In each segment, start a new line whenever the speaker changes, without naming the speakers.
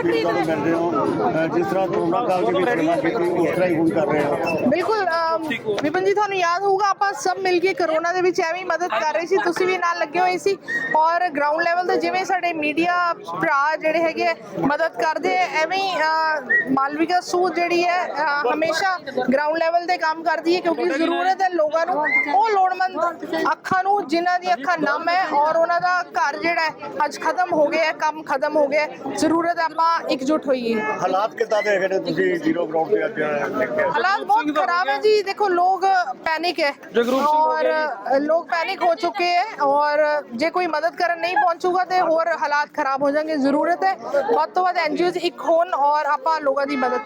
Appeal ਤੁਹਾਨੂੰ ਕਰ ਰਹੇ ਹੋ ਜਿਸ ਤਰ੍ਹਾਂ ਕੋਰੋਨਾ ਕਾਲ ਦੇ ਵਿੱਚ ਸੇਵਾ ਕੀਤੀ ਉਸ ਤਰ੍ਹਾਂ ਹੀ ਹੁਣ ਕਰ ਰਹੇ ਹੋ।
ਬਿਲਕੁਲ ਵਿਪਨ ਜੀ, ਤੁਹਾਨੂੰ ਯਾਦ ਹੋਊਗਾ ਆਪਾਂ ਸਭ ਮਿਲ ਕੇ ਕਰੋਨਾ ਦੇ ਵਿੱਚ ਐਵੇਂ ਹੀ ਮਦਦ ਕਰ ਰਹੇ ਸੀ, ਤੁਸੀਂ ਵੀ ਨਾਲ ਲੱਗੇ ਹੋਏ ਸੀ ਔਰ ਗਰਾਊਂਡ ਲੈਵਲ ਤੇ ਜਿਵੇਂ ਸਾਡੇ ਮੀਡੀਆ ਭਰਾ ਜਿਹੜੇ ਹੈਗੇ ਮਦਦ ਕਰਦੇ ਐਵੇਂ ਹੀ ਮਾਲਵਿਕਾ ਸੂਦ ਜਿਹੜੀ ਹੈ ਹਮੇਸ਼ਾ ਗਰਾਊਂਡ ਲੈਵਲ ਤੇ ਕੰਮ ਕਰਦੀ ਹੈ ਕਿਉਂਕਿ ਜ਼ਰੂਰਤ ਹੈ ਲੋਕਾਂ ਨੂੰ, ਉਹ ਲੋੜਵੰਦ ਅੱਖਾਂ ਨੂੰ ਜਿਨ੍ਹਾਂ ਦੀ ਅੱਖਾਂ ਨਮ ਹੈ ਔਰ ਉਹਨਾਂ ਦਾ ਘਰ ਜਿਹੜਾ ਹੈ ਅੱਜ ਖਤਮ ਹੋ ਗਿਆ, ਕੰਮ ਖਤਮ ਹੋ ਗਿਆ, ਜ਼ਰੂਰਤ ਹੈ ਆਪਾਂ ਇਕਜੁੱਟ ਹੋਈਏ।
ਹਾਲਾਤ ਕਿੱਦਾਂ ਦੇ ਹੈਗੇ ਤੁਸੀਂ ਜ਼ੀਰੋ ਗਰਾਊਂਡ ਤੇ ਅੱਜ
हालात बहुत खराब है जी। देखो लोग पैनिक है और लोग पैनिक हो चुके हैं और जे कोई मदद करन नहीं पहुंचूगा तो और हालात खराब हो जाएंगे। जरूरत है बहुत तो बहुत एनजीओ एक होन और ਆਪਾਂ ਲੋਕਾਂ ਦੀ ਮਦਦ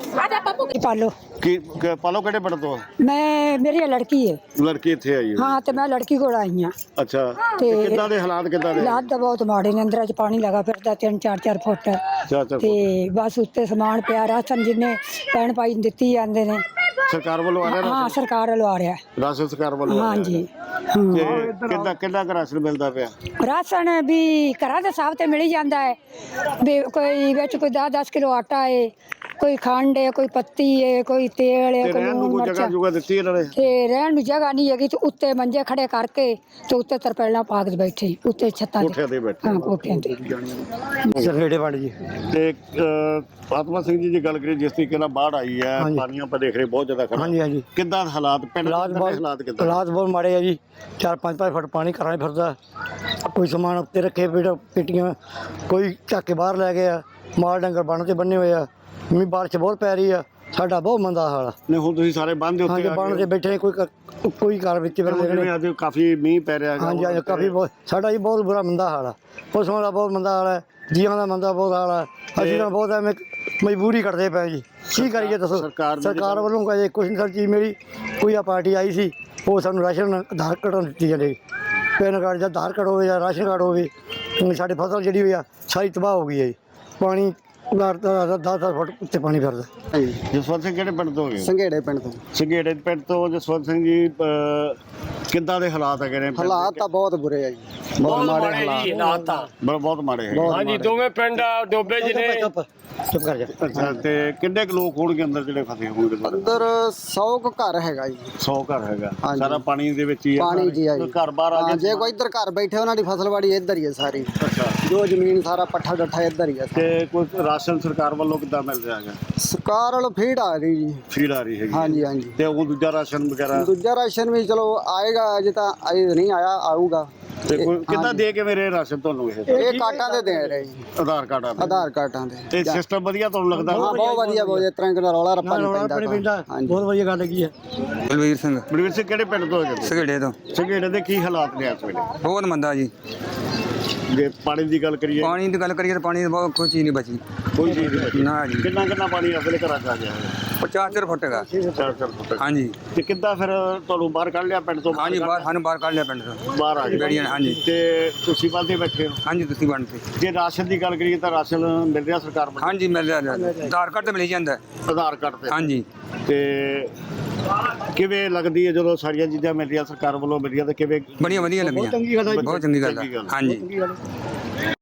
ਕਰੀਏ।
पालो
ਕੀ ਪਾਲੋ ਕਿਹੜੇ ਪਿੰਡ ਤੋਂ
मैं मेरी लड़की है।
ਲੜਕੀ ਇੱਥੇ ਆਈ ਹੈ।
हाँ तो मैं लड़की को आई हाँ।
ਅੱਛਾ
ਤੇ
ਕਿੱਦਾਂ ਦੇ ਹਾਲਾਤ ਕਿੱਦਾਂ ਦੇ
हालात तो बहुत माड़े ने, अंदर पानी लगा फिरदा 3-4 फुट
ਚਾਚਾ
ते बस उत्ते समान पिया, राशन जिन्ने पैन पाई दित्ती जांदे ने।
ਸਰਕਾਰ ਵੱਲੋਂ ਆ ਰਿਹਾ
हाँ सरकार वालों आ रहा है।
ਰਾਸ਼ਨ ਸਰਕਾਰ ਵੱਲੋਂ
हाँ जी
ਤੇ ਕਿੰਨਾ ਕੁ ਰਾਸ਼ਨ ਮਿਲਦਾ ਪਿਆ
राशन भी घरां दे साहब ते मिल ही जांदा है भी, कोई विच कोई 10-10 किलो आटा है, कोई खंड है, कोई पत्ती है, कोई तेल है,
ਤੇ
कोई
ਰਹਿਣ ਨੂੰ
लूण
ਕੋਈ ਜਗ੍ਹਾ
मिर्च।
ਜੁਗਾ ਦਿੱਤੀ ਇਹਨਾਂ ਨੇ
ਤੇ ਰਹਿਣ ਨੂੰ ਜਗ੍ਹਾ ਨਹੀਂ ਹੈਗੀ ਤੇ ਉੱਤੇ ਮੰਜੇ ਖੜੇ ਕਰਕੇ ਤੇ ਉੱਤੇ ਤਰਪਾਲਾਂ ਪਾ ਕੇ ਬੈਠੇ ਉੱਤੇ ਛੱਤਾਂ
ਕੋਠਿਆਂ ਤੇ ਬੈਠੇ।
ਹਾਂ ਕੋਠਿਆਂ ਤੇ।
ਸਰਵੇੜੇ ਵੜ ਜੀ
ਤੇ ਆਤਮਾ ਸਿੰਘ ਜੀ ਦੀ ਗੱਲ ਕਰੀਏ ਜਿਸ ਤਰੀਕੇ ਨਾਲ ਬਾੜ ਆਈ ਹੈ, ਪਾਣੀਆਂ ਆਪਾਂ ਦੇਖ ਰਹੇ ਬਹੁਤ ਜ਼ਿਆਦਾ ਖੜਾ
ਹਾਂਜੀ ਹਾਂਜੀ
ਕਿੱਦਾਂ ਹਾਲਾਤ ਪਿੰਡ ਦੇ
ਹਾਲਾਤ ਬਹੁਤ
ਹਾਲਾਤ ਕਿੱਦਾਂ
ਹਾਲਾਤ ਬਹੁਤ ਮਾੜੇ ਆ ਜੀ। 4-5 ਫੁੱਟ ਪਾਣੀ ਘਰਾਂ 'ਚ ਫਿਰਦਾ, ਕੋਈ ਸਮਾਨ ਉੱਤੇ ਰੱਖੇ ਪੇਟੀਆਂ ਕੋਈ ਚੱਕ ਕੇ ਬਾਹਰ ਲੈ ਗਿਆ, ਮਾਲ ਡੰਗਰ ਬੰਨ ਤੇ ਬੰਨੇ ਹੋਏ ਆ, ਮੀਂਹ ਬਾਰਿਸ਼ ਬਹੁਤ ਪੈ ਰਹੀ ਆ, ਸਾਡਾ ਬਹੁਤ ਮੰਦਾ ਹਾਲ ਆ।
ਨੇ ਹੁਣ ਤੁਸੀਂ ਸਾਰੇ ਬੰਦ ਦੇ ਉੱਤੇ
ਹਾਂਜੀ ਬੰਨ ਤੇ ਬੈਠੇ ਕੋਈ ਘਰ ਵਿੱਚ ਫਿਰ
ਜਿਵੇਂ ਅੱਜ ਕਾਫੀ ਮੀਂਹ ਪੈ ਰਿਹਾ ਹੈਗਾ
ਹਾਂਜੀ ਹਾਂਜੀ ਕਾਫੀ ਬਹੁਤ ਸਾਡਾ ਜੀ ਬਹੁਤ ਬੁਰਾ ਮੰਦਾ ਹਾਲ ਆ, ਪਸ਼ੂਆਂ ਦਾ ਬਹੁਤ ਮੰਦਾ ਹਾਲ ਹੈ, ਜੀਵਾਂ ਦਾ ਮੰਦਾ ਬਹੁਤ ਹਾਲ ਆ। ਅਸੀਂ ਤਾਂ ਬਹੁਤ ਐਵੇਂ ਮਜਬੂਰੀ ਕਰਦੇ ਪਏ ਜੀ, ਕੀ ਕਰੀਏ ਦੱਸੋ। ਸਰਕਾਰ ਵੱਲੋਂ ਕੋਈ ਕੁਛ ਨਹੀਂ, ਸਰ ਚੀਜ਼ ਮੇਰੀ ਕੋਈ ਆ ਪਾਰਟੀ ਆਈ ਸੀ ਉਹ ਸਾਨੂੰ ਰਾਸ਼ਨ ਆਧਾਰ ਕਾਰਡ ਦਿੱਤੀ ਜਾਂਦੇ, ਪੈਨ ਕਾਰਡ ਜਾਂ ਆਧਾਰ ਕਾਰਡ ਹੋਵੇ ਜਾਂ ਰਾਸ਼ਨ ਕਾਰਡ ਹੋਵੇ। ਹੁਣ ਸਾਡੀ ਫਸਲ ਜਿਹੜੀ ਹੋਈ ਆ ਸਾਰੀ ਤਬਾਹ ਹੋ ਗਈ ਹੈ ਜੀ, ਪਾਣੀ 10-10 ਫੁੱਟ ਉੱਤੇ ਪਾਣੀ ਫਿਰਦਾ।
ਜਸਵੰਤ ਸਿੰਘ ਕਿਹੜੇ ਪਿੰਡ ਤੋਂ ਹੋ ਗਏ?
ਸੰਘੇੜੇ ਪਿੰਡ ਤੋਂ।
ਸੰਘੇੜੇ ਪਿੰਡ ਤੋਂ ਜਸਵੰਤ ਸਿੰਘ ਜੀ ਕਿੱਦਾਂ ਦੇ ਹਾਲਾਤ ਹੈਗੇ ਨੇ?
ਹਾਲਾਤ ਤਾਂ ਬਹੁਤ ਬੁਰੇ ਆ ਜੀ, ਬਹੁਤ ਮਾੜੇ ਹਾਲਾਤ ਆ।
ਬਹੁਤ ਮਾੜੇ ਹੈ
ਹਾਂਜੀ ਦੋਵੇਂ ਪਿੰਡ ਡੋਬੇ ਜੀ ਨੇ।
ਚੁੱਪ ਕਰ ਜਾ।
ਅੱਛਾ ਤੇ ਕਿੰਨੇ ਕੁ ਲੋਕ ਹੋਣਗੇ ਅੰਦਰ ਜਿਹੜੇ ਫਸੇ ਹੋਣਗੇ?
ਅੰਦਰ 100 ਕੁ ਘਰ ਹੈਗਾ ਜੀ।
100 ਘਰ ਹੈਗਾ,
ਹਾਂਜੀ।
ਸਾਰਾ ਪਾਣੀ ਦੇ ਵਿੱਚ ਹੀ ਹੈ?
ਪਾਣੀ ਜੀ ਆ ਜੀ।
ਘਰ ਬਾਹਰ ਆ
ਹਾਂ,
ਗਏ?
ਜੇ ਕੋਈ ਇੱਧਰ ਘਰ ਬੈਠੇ ਉਹਨਾਂ ਦੀ ਫਸਲਵਾੜੀ ਇੱਧਰ ਹੀ ਹੈ ਸਾਰੀ,
ਅੱਛਾ
ਜੋ ਜ਼ਮੀਨ ਸਾਰਾ ਪੱਠਾ ਡੱਠਾ ਇੱਧਰ ਹੀ ਹੈ।
ਤੇ ਕੋਈ ਰਾਸ਼ਨ ਸਰਕਾਰ ਵੱਲੋਂ ਕਿੱਦਾਂ ਮਿਲ ਰਿਹਾ ਹੈਗਾ?
ਸਰਕਾਰ ਵੱਲੋਂ ਫੀਡ ਆ ਰਹੀ ਜੀ।
ਫੀਡ ਆ ਰਹੀ ਹੈਗੀ?
ਹਾਂਜੀ ਹਾਂਜੀ।
ਤੇ ਉਹ ਦੂਜਾ ਰਾਸ਼ਨ ਵਗੈਰਾ?
ਦੂਜਾ ਰਾਸ਼ਨ ਵੀ ਚਲੋ ਆਏਗਾ, ਅਜੇ ਤਾਂ ਅਜੇ ਨਹੀਂ ਆਇਆ, ਆਊਗਾ।
ਤੇ ਕੋਈ ਕਿੱਦਾਂ ਦੇ ਕੇ ਮੇਰੇ ਰਾਸ਼ਨ ਤੁਹਾਨੂੰ
ਇਹ ਕਾਟਾਂ ਦੇ ਦੇ ਰਹੇ ਜੀ,
ਆਧਾਰ ਕਾਰਡਾਂ ਦੇ?
ਆਧਾਰ ਕਾਰਡਾਂ ਦੇ।
ਤੇ ਸਿਸਟਮ ਵਧੀਆ ਤੁਹਾਨੂੰ ਲੱਗਦਾ?
ਹਾਂ ਬਹੁਤ ਵਧੀਆ, ਬਹੁਤ ਇਸ ਤਰ੍ਹਾਂ ਦਾ ਰੌਲਾ ਰੱਪਾ ਨਹੀਂ ਪੈਂਦਾ। ਹਾਂਜੀ
ਬਹੁਤ ਵਧੀਆ ਗੱਲ ਹੈਗੀ ਹੈ।
ਬਲਵੀਰ ਸਿੰਘ
ਬਲਵੀਰ ਸਿੰਘ ਕਿਹੜੇ ਪਿੰਡ ਤੋਂ ਹੈਗੇ?
ਸਗੜੇ ਤੋਂ।
ਸੰਘੇੜੇ ਦੇ ਕੀ ਹਾਲਾਤ ਨੇ ਇਸ ਵੇਲੇ?
ਬਹੁਤ ਮੰਦਾ ਜੀ।
ਜੇ ਪਾਣੀ ਦੀ ਗੱਲ ਕਰੀਏ,
ਪਾਣੀ ਦੀ ਗੱਲ ਕਰੀਏ ਤਾਂ ਪਾਣੀ ਦੀ ਬਹੁਤ ਕੋਈ ਚੀਜ਼ ਨਹੀਂ ਬਚੀ।
ਕੋਈ ਚੀਜ਼ ਨਹੀਂ ਬਚੀ।
ਨਾ ਜੀ।
ਕਿੰਨਾ ਪਾਣੀ ਇਸ ਵੇਲੇ ਘਰਾਂ 'ਚ ਆ ਗਿਆ ਹੈ?
4-4 ਫੁੱਟ ਹੈਗਾ।
4 ਫੁੱਟ।
ਹਾਂਜੀ
ਤੇ ਕਿੱਦਾਂ ਫਿਰ ਤੁਹਾਨੂੰ ਬਾਹਰ ਕੱਢ ਲਿਆ ਪਿੰਡ ਤੋਂ?
ਹਾਂਜੀ ਬਾਹਰ ਸਾਨੂੰ ਬਾਹਰ ਕੱਢ ਲਿਆ ਪਿੰਡ ਤੋਂ।
ਬਾਹਰ ਆ ਗਏ
ਬੇੜੀਆਂ ਨੇ, ਹਾਂਜੀ।
ਤੇ ਤੁਸੀਂ ਬੰਦੇ ਬੈਠੇ ਹੋ?
ਹਾਂਜੀ ਤੁਸੀਂ ਬਣ ਤੇ।
ਜੇ ਰਾਸ਼ਨ ਦੀ ਗੱਲ ਕਰੀਏ ਤਾਂ ਰਾਸ਼ਨ ਮਿਲ ਰਿਹਾ ਸਰਕਾਰ ਵੱਲੋਂ?
ਹਾਂਜੀ ਮਿਲ ਰਿਹਾ ਆਧਾਰ ਕਾਰਡ ਤੇ ਮਿਲ ਜਾਂਦਾ।
ਆਧਾਰ ਕਾਰਡ ਤੇ?
ਹਾਂਜੀ।
ਤੇ ਕਿਵੇਂ ਲੱਗਦੀ ਹੈ ਜਦੋਂ ਸਾਰੀਆਂ ਚੀਜ਼ਾਂ ਮਿਲ ਰਹੀਆਂ ਸਰਕਾਰ ਵੱਲੋਂ ਮਿਲ ਰਹੀਆਂ ਤੇ ਕਿਵੇਂ?
ਬੜੀਆਂ ਵਧੀਆ ਲੱਗੀਆਂ,
ਬਹੁਤ ਚੰਗੀ ਗੱਲ ਹੈ।
ਬਹੁਤ ਚੰਗੀ ਗੱਲ ਹੈ। ਹਾਂਜੀ।